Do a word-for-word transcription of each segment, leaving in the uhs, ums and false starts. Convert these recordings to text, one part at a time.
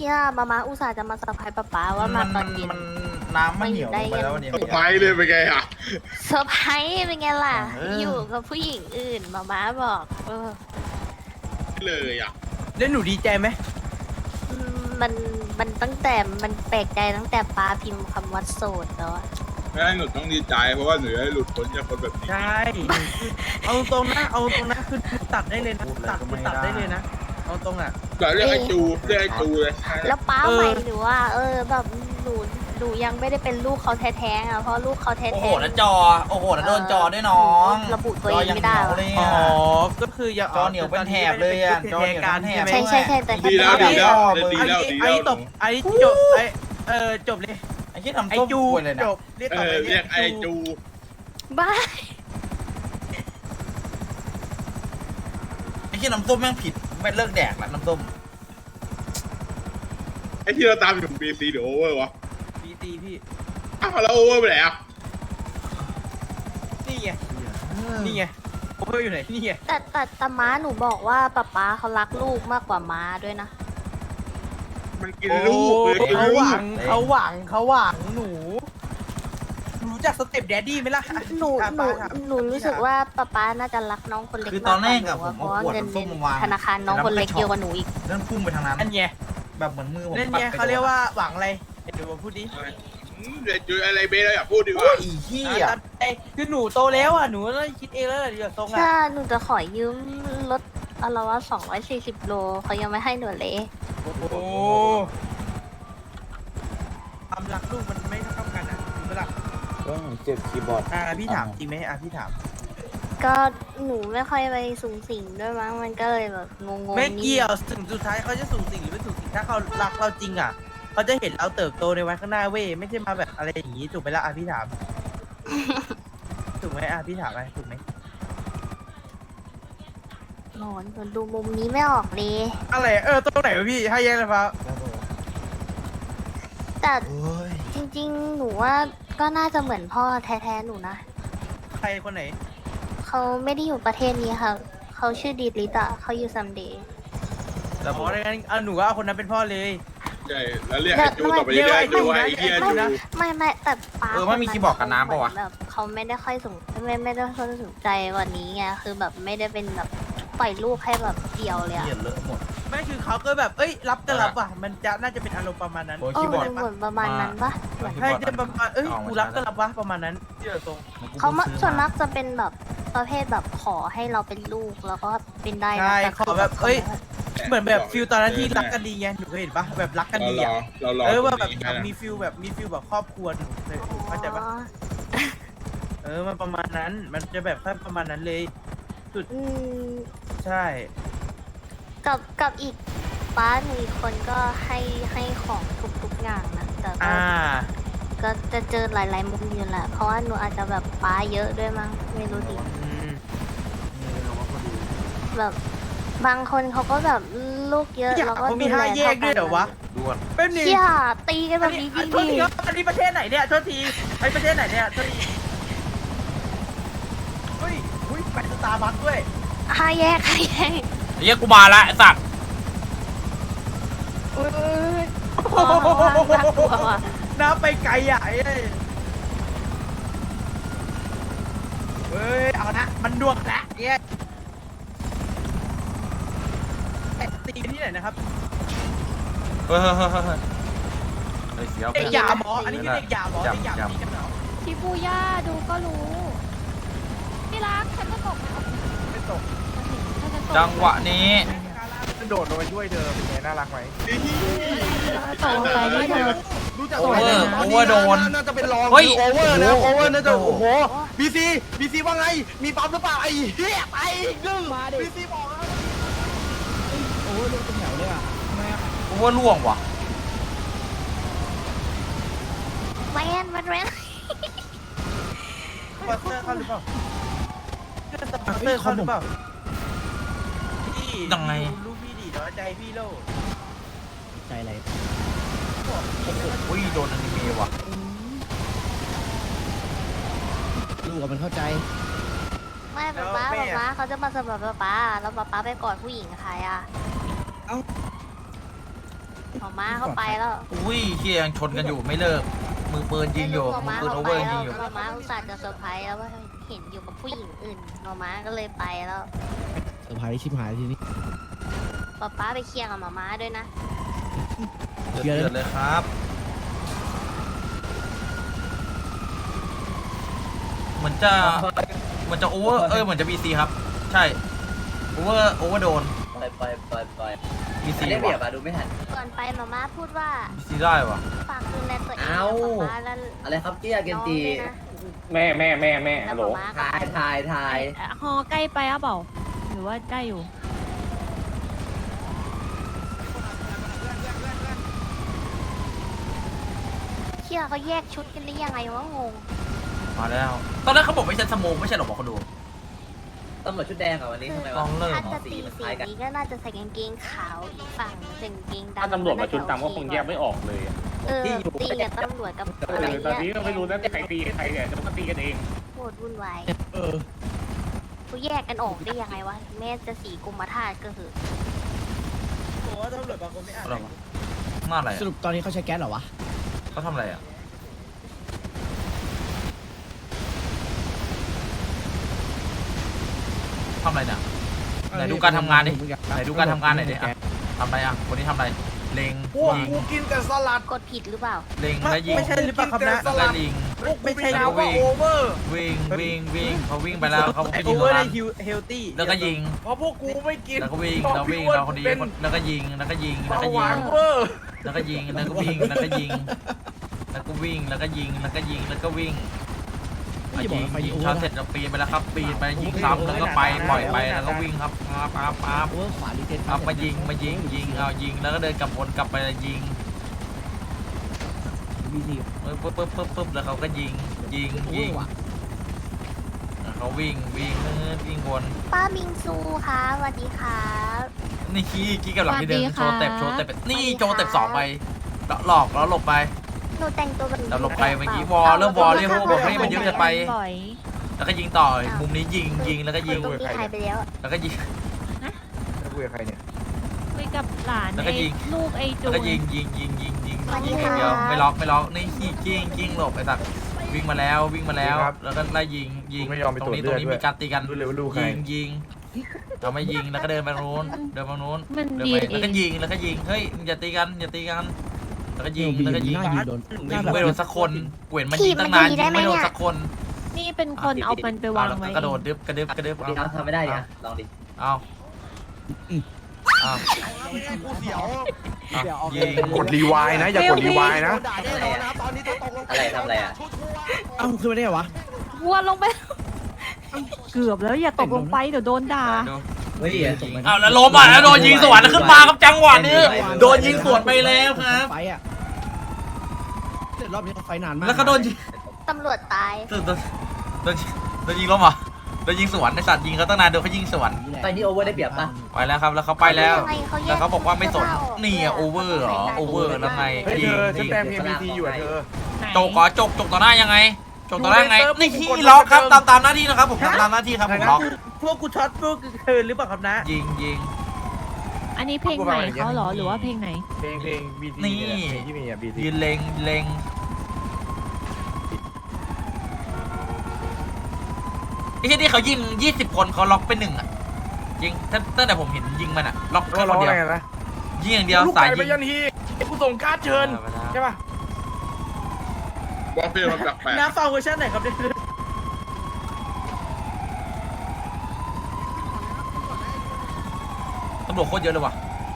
ชี่ยมามาอุตส่าห์จะมาเซอร์ไพรส์ป๊าป๊าว่ามาตอนเย็นมันน้ำมันเหนียวลงไปแล้วเนี่ยไปเลยเป็นไงอ่ะเซอร์ไพรส์เป็นไงล่ะเออออยู่กับผู้หญิงอื่นมาม้าบอกเออเลยอ่ะแล้วหนูดีใจไหมอืมมันมันตั้งแต่มันแปลกใจตั้งแต่ป๊าพิมพ์คำว่าโสดแล้วอะไม่ให้หนูต้องดีใจเพราะว่าหนูจะได้หลุดพ้นจากคนแบบนี้ใช่เอาตรงนะเอาตรงนะคือตัดได้เลยนะพูดเลยตัดก็คืไม่อตัดได้ได้เลยนะเอาตรงอ่ะเดี๋ยวเรียกไอ้จูเรียกไอ้จูเลยแล้วป้าเออใหม่หรือว่า เออแบบหนูหนูยังไม่ได้เป็นลูกเขาแท้ๆอ่ะเพราะลูกเขาแท้ๆโอ้โหแล้วจอ โอ้โหแล้วโดนจอด้วยน้องระบุตัวเองไม่ได้จอวะยังเหนียวเลยอ๋ออ่ะก็คืออย่าจอเหนียวเป็นแถบเลยอะจอเหนียวเป็นแถบใช่ใช่ใช่แต่ดีแล้วดีแล้วดีไอ้แล้วดีไอ้แล้วตบไอ้จบไอ้เออจบเลยไอ้ที่ทำไอ้ส้มจูป่วยเลยนะจบเรียกเอต่อไปอเรียกไอ้จูบ้าไอ้ที่น้ำส้มแม่งผิดไม่เลิกแดกละน้ำส้มไอ้ที่เราตามอยู่บีซีหรือโอเวอร์วะดีตีพี่อ้าวแล้วโอเวอร์ไปไหนอ่ะนี่ไงนี่ไงโอเวอร์อยู่ไหนนี่ไงแต่แต่แต่ม้าหนูบอกว่าป๊าป๊าเขารักลูกมากกว่าม้าด้วยนะมันกินลูกเลยกินเขาลูหวักงเขาหวังเขาหวังหนูหนูรู้จักสเต็ปแดดดี้ไหมล่ะหนูอ่ะหนูป้าถามหนูรู้สึกว่าป๊าป๊าน่าจะรักน้องคนเล็กคือมากตอนแรกกอะว่าหผมนูเพราะว่าเอาขวดเงินน้ำในส้มมาวางธนาคารน้องคนเล็กเยอะกว่าหนูอีกเรื่องพุ่งไปทางนั้นอันไงแบบเหมือนมือผมนั่นปัไงดไปเขาเรียกว่าหวังอะไรเดี๋ยวผมพูดดิเดี๋ยวจูอะไรเบสเราอยากพูดดีกโอ้ว่ายอีเหี้ยอ่ะไอ้คือหนูโตแล้วอ่ะหนูต้องคิดเองแล้วแหละเดี๋ยวทรงอ่ะถ้าหนูจะขอยืมรถอะไรวะสองร้อยสี่สิบโลเขายังไม่ให้หนูเลยโอ้โหความรักลูกมันไม่เท่ากันอ่ะถูกไหมล่ะก็เจ็บคีย์บอร์ดอ่าพี่ถามจริงไหมอ่ะพี่ถามก็หนูไม่ค่อยไปสูงสิงด้วยมั้งมันก็เลยแบบงงๆไม่นิดเกี่ยวถึงสุดท้ายเขาจะสูงสิ่งหรือไม่สูงสิ่งถ้าเขารักเราจริงอ่ะเขาจะเห็นเราเติบโตในวันข้างหน้าเว้ยไม่ใช่มาแบบอะไรอย่างนี้ถูกไหมล่ะอ่ะพี่ถาม ถูกไหมอ่ะพี่ถามอะไรถูกไหมโหนหนูดูมุมนี้ไม่ออกเลยอะไรเออตรงไหนวะพี่ให้แยกเลยครับแต่เอ้ยจริงๆ หนูว่าก็น่าจะเหมือนพ่อแท้ๆหนูนะใครคนไหนเขาไม่ได้อยู่ประเทศนี้ค่ะ เขาชื่อดีดลิตะเขาอยู่ซัมเดย์แต่บอกได้งั้นเอาหนูก็เอาคนนั้นเป็นพ่อเลยใช่แล้วเรียกไอ้จูต่อไปเรื่อยๆไอ้จูไอ้เหี้ยจูไม่ไม่แต่ป้าเออไม่มีคีย์บอร์ดกับน้ำปะวะแบบเขาไม่ได้ค่อยสนไม่ไม่ได้ค่อยสนใจกว่านี้ไงคือแบบไม่ได้เป็นแบบปล่อยลูกให้แบบเดียวเลยอะเหี้ยเลอะหมดไม่คือเขาก็แบบเอ้ยรับก็รับอ่ะมันจะน่าจะเป็นอารมณ์ประมาณนั้นโอ้ยเอคีอย์บอร์ดเหมือนประมาณนั้นปะเหมือนใช่จะประมาณเอ้ยกูรับก็รับวะประมาณนั้นที่เราตรงเขามาส่วนมากจะเป็นแบบประเภทแบบขอให้เราเป็นลูกแล้วก็เป็นได้นะใช่แต่ขอแบบเอ้ย เหมือนแบบฟิลตอนนั้นที่รักกันดีไงหนูเคยเห็นปะแบบรักกันเราดีรออ่ะเรารอเออว่าตแบรบงนี้อยากนะมีฟิลแบบมีฟิลแบบครอบครัวหนูเคยเข้าใจปะอ๋อเออมันประมาณนั้นมันจะแบบแค่ประมาณนั้นเลยอืมใช่กับกับอีกป้าหนูอีกคนก็ให้ให้ของทุกๆอย่างนะแต่ก็อ่าก็จะเจอหลายๆมุมอยู่แหละเพราะว่าหนูอาจจะแบบป้าเยอะด้วยมั้งไม่รู้ดิอืมแบบบางคนเขาก็แบบลูกเยอะอยากแล้วก็เขามีห้าแยกด้วยเหรอวะด่วนเป็นนี่เชี่ยตีกันแบอันบนี้นี้อัพี่นโทษทีครับอันนี้ประเทศไหนเนี่ยโทษทีไอประเทศไหนเนี่ยโทษทีเฮ้ยเฮ้ยไปสตาร์บัคด้วยห้าแยกห้าแยกเรียกกูมาละไอ้สัตว์อุ้ยอ๋อน่ากลัวว่ะน้ำไปไกลอ่ะไอ้เอ้ยเฮ้ยเอานะมันดวงละเย้ตีกันที่ไหนนะครับเฮ้ยเฮ้ยเฮ้ยเฮ้ยเฮ้ยเสียวเด็กยาหมออันนี้คือเด็กยาหมอเด็กยาหมอตีกันเหรอชิบูย่าดูก็รู้พี่รักฉันก็ตกนะไม่ตกฉันจะตกจังหวะนี้โดดลงไปช่วยเธอเป็นไงน่ารักไหมตกลงไปนี่เธอรู้จักโอเวอร์โอเวอร์โดนน่าจะเป็นรองเฮ้ยโอเวอร์นะโอเวอร์น่าจะโอ้โหโอ้โหบีซีบีซีว่าไงมีปั๊มหรือเปล่าไอ้เหี้ยไปอีกหนึ่งบีซีบอกแล้วโอเวอร์ล่วงว่ะแวนแวนแวนปัตเตอร์เข้าหรือเปล่าปัตเตอร์เข้าหรือเปล่าพี่ยังไงลูกพี่ดีน้อยใจพี่โลใจอะไรโอ้ยโดนอนิเมะว่ะลูกกับมันเข้าใจไม่ป๊าป๊าป๊าป๊าเขาจะมาสมัครป๊าป๊าแล้วป๊าป๊าไปกอดผู้หญิงกับใครอ่ะหมอม้าเขาไปแล้วอุ้ยเฮียยังชนกันอยู่ไม่เลิกมือปืนยิงอยู่หมอมือม้าปืนโอเขาเวไปอร์แล้ยิวงอยู่หมอม้าอุตส่าห์จะเซอร์ไพรส์แล้วว่าเห็นอยู่กับผู้หญิงอื่นหมอม้าก็เลยไปแล้วเซอร์ไพรส์ชิบหายทีนี้ป๊าป๊าไปเคลียร์กับหมอม้าด้วยนะเดือดเลยครับเหมือนจะเหมือนจะโอเวอร์เอ้ยเหมือนจะบีซีครับใช่โอเวอร์โอเวอร์โดนปล่อยปล่อยปล่อยปล่อยบีซีได้เปรียบว่ะอะดูไม่ทันก่อนไปหมอม้าพูดว่าบีซีได้ว่ะฝากดูแลตัวเองเอ้ากับป๊าแล้วอะไรครับเตี้ยเกน้นองจีด้วยนะแม่แม่แม่แม่แล้วฮัลหโหมลอม้าก็ทายทายทายฮอใกล้ไปอ่ะเปล่าหรือว่าได้อยู่เชื่อเขาแยกชุดกันได้ยังไงวะงงมาแล้วตอนแรกเขาบอกไม่ใช่สโมกไม่ใช่หรอบอกคนดูตำรวจชุดแดงอะวันนี้ทำไมลวะองเริ่มถ้าเหรอจะตีสีนี้ก็น่าจะใส่กางเกงขาวอีกฝั่งใส่กางเกงดำถ้าตำรวจมาชุดดำก็คงแยกไม่ออกเลยอะเออตีกับตำรวจกับเออะไรอตอนนี้เงี้ยก็ไม่รู้นะใครตีใครเนี่ยเดี๋ยวมันก็ตีกันเองโคตรวุ่นวายเออกูแยกกันออกได้ยังไงวะแม่จะสีกุมธาตุก็คือผมว่าตำรวจบางคนไม่อ่านอะไรวะหน้าอะไรสรุปตอนนี้เขาใช้แก๊สเหรอวะเขาทำอะไรอ่ะทำอะไรเนี่ยไหนดูการทำงานดิไหนดูการทำงานหน่อยดิอ่ะทำอะไรอ่ะวันนี้ทำอะไรเล็งพวกยิงกูกินแต่สลัดกดผิดหรือเปล่าเล็งแล้วยิงไม่ใช่หรือเปล่าครับนะแล้วก็ยิงไม่ใช่แล้นะวก็ว่าวิ่งโอเวอร์วิ่งวิ่งวิ่งเขาวิ่งไปแล้วเขาไปไอยิโอง เวตอรงร์ได้นั้นฮิวเฮลตี้แล้วก็ยิงเพราะพวกกูไม่กินแล้วก็วิ่งแล้ววิ่งพแล้วราะคนนี้เป็นแล้วก็ยิงแล้วก็ยิงแล้วเบาก็หยิวาง นเวอร์แล้วก็ยิงแล้วก็วิ่งแล้วก็ยิงแล้วก็วิ่งแล้วก็ยิงแล้วก็ยิงแล้วก็วิ่งอ่ะยิงยิงช็อตเสร็จแล้วปีนไปแล้วครับปีนไปยิงซ้ำแล้วก็ไปปล่อยไปแล้วก็วิ่งครับปั๊บปั๊บปั๊บโอเวอร์ขวาดีเทนเอามายิงมายิงยิงเอายิงแล้วก็เดินกลับวนกลับไปยิงบีซีปึ๊บปึ๊บปึ๊บปึ๊บแล้วเขาก็ยิงยิงยิงเขาวิ่งวิ่งวิ่งวนป้าบิงซูค่ะสวัสดีครับนี่ขี้ขี้กับหลังที่เดินสวัสดีโชค่ะว์เต็ปโชว์เต็ปนี่โชว์เต็ปสองไปแล้วหลอกแล้วหลบไปหนูแต่งตัวแบบแล้วหลบไปเมื่อกี้วอลเริ่มวอลเรียกพวกบอกให้มันเยอะจะไปบ่อยแล้วก็ยิงต่อมุมนี้ยิงยิงแล้วก็ยิงตรงนี้หายไปแล้วแล้วก็ยิงจะคุยกับใครเนี่ยคุยกับหลานแล้วก็ไอ้ยิงลูกไอ้จูแล้วก็ยิงยิงยิงยิงยิงยิงอย่างเดียวไม่ล็อกไม่ล็อกนี่ขี้กิ้งกิ้งหลบไอ้สัตว์วิ่งมาแล้ววิ่งมาแล้ว แล้วก็ไล่ยิงยิงตรงนี้ตรงนี้มีการตีกันดูเร็วดูใครยิงยิงเราไม่ยิงแล้วก็เดินไปตรงนู้นเดินไปตรงนู้นมันเดินดีไปเอแล้วก็งยิงแล้วก็ยิงเฮ้ยอย่าตีกันอย่าตีกันแล้วก็ยิงยิงแล้วก็ยิงหน้ายิงโดนยิงไม่โดนสักคนเกวียนมันยิงตั้งนานยิงไม่โดนสักคนนี่เป็นคนเอามันไปวางไว้กระโดดดึบกระดึบกระดึบดีครับทำไม่ได้ดิอะลองดิเอาเอากูเสียวเอายิงกดรีไวน์นะ อย่ากดรีไวน์นะอะไรทำอะไรอะเอ้าขึ้นมาได้เหรอวะวัวลงไป เกือบแล้วอย่าตกลงไปเดี๋ยวโดนด่าเฮ้ยเอาแล้วล้มอ่ะแล้วโดนยิงสวนขึ้นมาครับจังหวะนี้โดนยิงสวนไปแล้วครับไฟอ่ะเดี๋ยวรอบนี้เขาไฟนานมากแล้วก็โดนยิงตำรวจตายโดนโดนโดนโดนยิงล้มเหรอโดนยิงสวนในสัตว์ยิงเขาตั้งนานโดนเขายิงสวนตอนนี้โอเวอร์ได้เปรียบปะไปแล้วครับแล้วเขาไปแล้วเขายังไงเขาแยกแล้วเขาบอกว่าไม่สนเสื้อผ้าออกนี่อะโอเวอร์เหรอโอเวอร์แล้วไงเฮ้ยยิเธงอฉันยิงแปลงเพลงบีทีอยู่อ่ะเธอจกเหรอจกจกต่อหน้ายังไงจกต่อหน้ายังไงดูในนี่เซิร์ฟขี้กดล็อกครับเซิร์ฟตามตามหน้าที่นะครับผมทำตามหน้าที่ครับผมล็อกพวกกูช็อตพวกเธอหรือเปล่าครับนะยิงยิงอันนี้เพลงใหม่เขาเหรอหรือว่าเพลงไหนเพลงเพลงบีทีนี่เพลงที่มีอ่ะบีทียืนเล็งเล็งไอ้ที่ที่เขายิงยี่สิบคนเขาล็อกไปหนึ่งอ่ะยิงตั้งตั้งแต่ผมเห็นยิงมันอ่ะล็อกก็แค่คร้อน งเดียอะวไรกันนะยิงอย่างเดียวลูกสายไก่ยิไปงยันทีกูส่งการ์ดเชิญเออไปแล้วใช่ป่ะบอสเฟียมันแปลกน้าฟังเวอร์ชันไหนครับเนี่ยตำรวจโคตรเยอะเลยว่ะ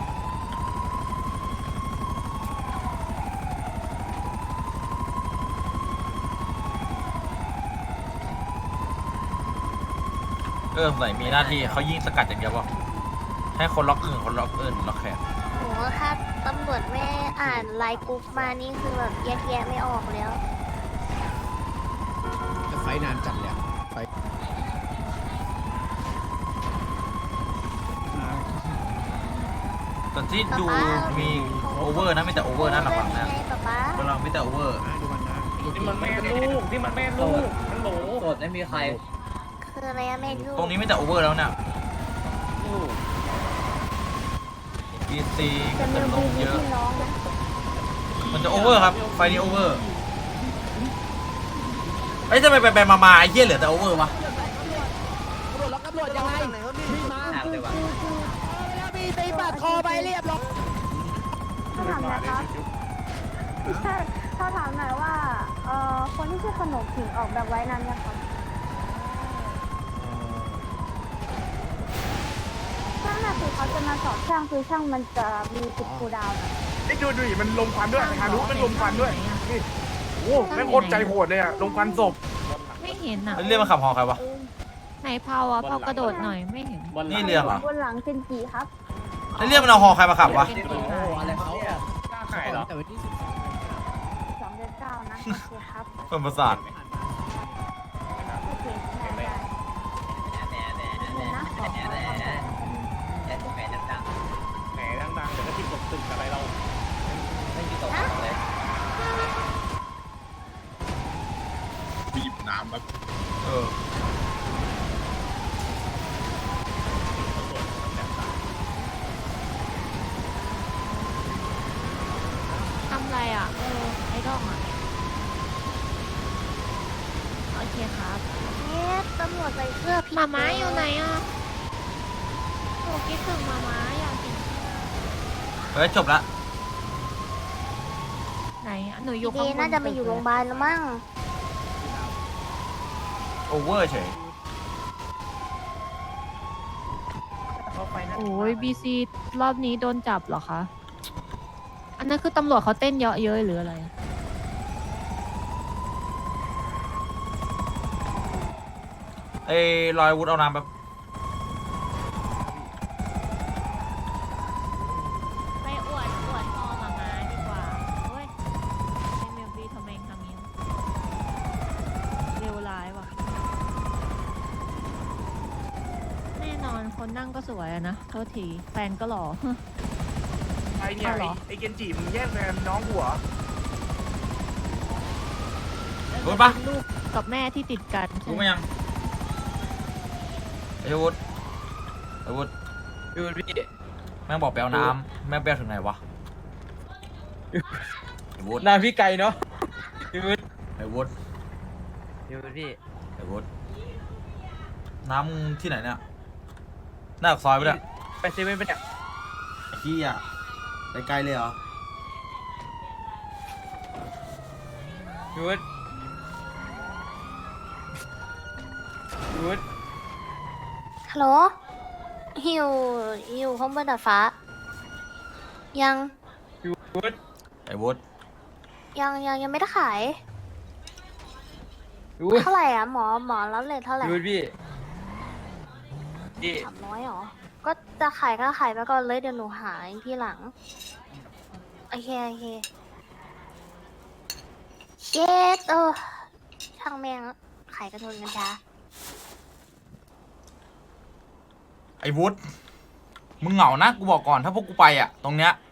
เออใส่มีหน้าที่เขายิงสกัดอย่างเดียวป่ะให้คนล็อกอื่นคนล็อกอื่นล็อกแขนโหถ้าตำรวจไม่อ่านไลน์กรุ๊ปมานี่คือแบบแยกแยะไม่ออกแล้วแต่ไฟนานจัดเลยอะไฟมาตอนที่ดูมีโอเวอร์นะไม่แต่โอเวอร์นะหลังๆนะไงป๊าป๊ากำลังไม่แต่โอเวอร์อ่ะดูมันนะนี่มันแม่ลูกนี่มันแม่ลูกมันโหลโสดไม่มีใครคืออะไรอะแม่ลูกตรงนี้ไม่แต่โอเวอร์แล้วเนี่ยลูกจบีซีแต่เติมิมวลบีงมีเยอะพี่น้องนะมันจะโอเวอร์ครับไฟนี้โอเวอร์เอ้ยทำไมไปไปมามาไอ้เหี้ยเหลือแต่โอเวอร์วะตำรวจล็อกตำรวจยังไงวิ่งมาหนักเลยว่ะแล้วมีตีปาดคอไปเรียบร้อยถ้าถามหน่อยครับใช่ถ้าถามหน่อยว่าเอ่อคนที่ชื่อขนมผิงออกแบบไว้นั้นเนี่ยครับช่างน่ะคือเขาจะมาสอบช่างคือช่างมันจะมีติดคูลดาวน์อะไอ้ดูดูดิมันลมควันด้วยฮารุมันลมควันด้วยนี่โอ้แม่งโคตรใจโหดเลยอะลมควันศพไม่เห็นอ่ะเรียกมาขับหอใครวะไหนเผาอ่ะเผากระโดดหน่อยไม่เห็นบนหลังนี่เรือเหรอบนหลังเซนจิครับเรียกมันเอาหอใครมาขับวะเป็นโอ้สีโหขาวอะไรเขาอ่ะกล้าขายเหรอแต่วันที่สิบสองสองเดือนเก้านะโอเคครับเป็นประสาทโอเคได้ได้แหน่แหน่แหน่เดี๋ยวนะขอแหน่แหน่แหน่แหน่แหน่แหน่ดังแหมดังๆเดี๋ยวก็ติดตกตึกอะไรเราๆไม่มีตกเลยบีบน้ำแบบเออทำอะไรอ่ะเออไอ้ดองอ่ะโอเคครับเอ๊ะตำรวจใส่เสื้อผิดหมาม้าอยู่ไหนอ่ะหนูคิดถึงหมาม้าอยากกินเฮ้ยจบละไหนอะหนูอพี่ยู่เดข้างบนน่าจะไปอยู่โรงพยาบาลแล้วมั้งโอเวอร์เฉยเขาไฟนั้นโอ้ยบีซีรอบนี้โดนจับเหรอคะอันนั้นคือตำรวจเขาเต้นเยอะเย้ยหรืออะไรไอ้ลอยวุฒเอาน้ำแบบไปอวดอวดพอหมาม้าดีกว่าเฮ้ยไอ้เมลบี้ทำไมทำนี้เร็วร้ายว่ะแน่นอนคนนั่งก็สวยอะนะโทษทีแฟนก็หล่อไอเนี่ยเอาเหรไอ้อไอ้เกนจิมึงแย่งแฟนน้องหัวรู้ปะลูกกับแม่ที่ติดกันใช่รู้ไหไหมมยังไอ้วุฒไอ้วุฒดูพี่แม่งบอกไปเอาน้ำแม่งไปเอาถึงไหนวะไอ้วุฒหน้าพี่ไก่เนาะพี่วุฒิไอ้วุฒพี่วุฒิพี่ไอ้วุฒน้ำมึงที่ไหนเนี่ยหน้าปากซอยไปเลยไปเซเว่นไปเนี่ยไอ้ขี้อ่ะไปไกลเลยเหรอพี่วุฒิพี่วุฒิฮัลโหลหิวหิวข้างบนดาดฟ้า ยังพี่วุฒิไอ้วุฒยังยังยังไม่ได้ขายพี่วุฒิเท่าไหร่อ่ะหมอหมอรับเลยเท่าไหร่พี่วุฒิพี่พี่สามร้อยหรอ ก็จะขายก็ขายไปก่อนเลยเดี๋ยวหนูหายที่หลัง โอเคโอเคเช็ดเออช่างแม่งแล้วขายกระทนกันช้าไอ้วุฒมึงเหงานะกูบอกก่อนถ้าพวกกูไปอ่ะตรงเนี้ย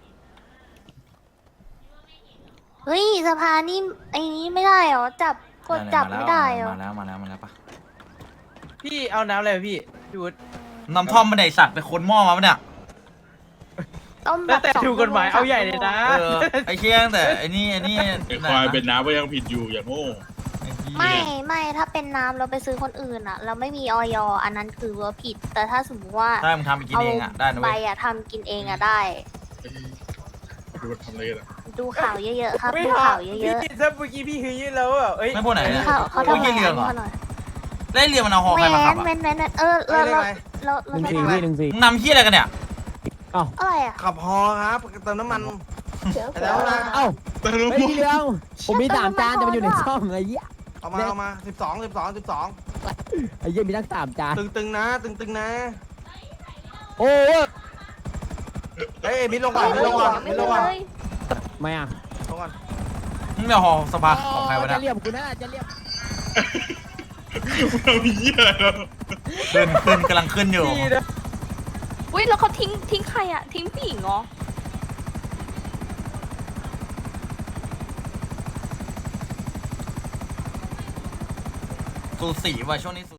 เฮ้ยสภานี่ไอ้นี้ไม่ได้เหรอ จับกดจับไม่ได้เหรอมาแล้วมาแล้วมาแล้วปะพี่เอาน้ำอะไรพี่พี่วุฒิน้ำท่อมมาไหนสัตว์ไปคนหม้อมาปะเนี่ยต้มแบแล้วบแต่สองถูกกฎหมายชั่วโงเอาใหญ่เลยนะเออไอ้เชี่ยตั้งแต่ไอ้นี่ไอ้นี่ไอ้ควายเป็นน้ำก็ยังผิดอยู่อย่างโง่ไอ้เหี้ยไม่ไม่ถ้าเป็นน้ำเราไปซื้อคนอื่นอะเราไม่มีออยอันนั้นคือว่าผิด แต่ถ้าสมมติว่าถ้ามึงทำไปกินเองอ่ะได้นะใบเว้ยอะทำกินเองอะได้ดูมันทำอะไรกันอะดูข่าวเยอะๆครับไม่ดูหาข่าวเยพี่อะถ้าเมื่อกี้พี่ฮือแล้วอ่ะเอ้ยไม่พูดไหนๆเนี่ยเขาเขาโอ้ทำยอะไรเรื่องเหรอเขาหน่อยได้เรียนมันเอาหอใครมาขับอ่ะแว้นแว้นแว้นเออเราเราเราเราหนึ่งไม่สี่ทำพี่หนึ่งสี่มึงนำเหี้ยอะไรกันเนี่ยอะไรอะขับฮอครับเติมน้ำมันแล้วนะเอ้าแต่เราเฮ้ยพี่เรืองผมมีสามจานแต่มันอยู่ในช่องไอ้เหี้ยเอามาเอามาสิบสองสิบสองสิบสองไอ้เหี้ยมีทั้งสามจานตึงๆนะ ตึงๆนะโอ้ยเฮ้ยมิดลงก่อนมิดลงก่อนมิดลงก่อนเลยไม่อ่ะลงก่อนมึงเอาหอสภาของใครวะจะเนี่ยเรียบกูนะจะเรียบเราเหี้ยแล้วขึ้นขึ้นกำลังขึ้นอยู่พี่นะอุ้ยแล้วเขาทิ้งทิ้งใครอะทิ้งผู้หญิงเหรอสูสีว่ะช่วงนี้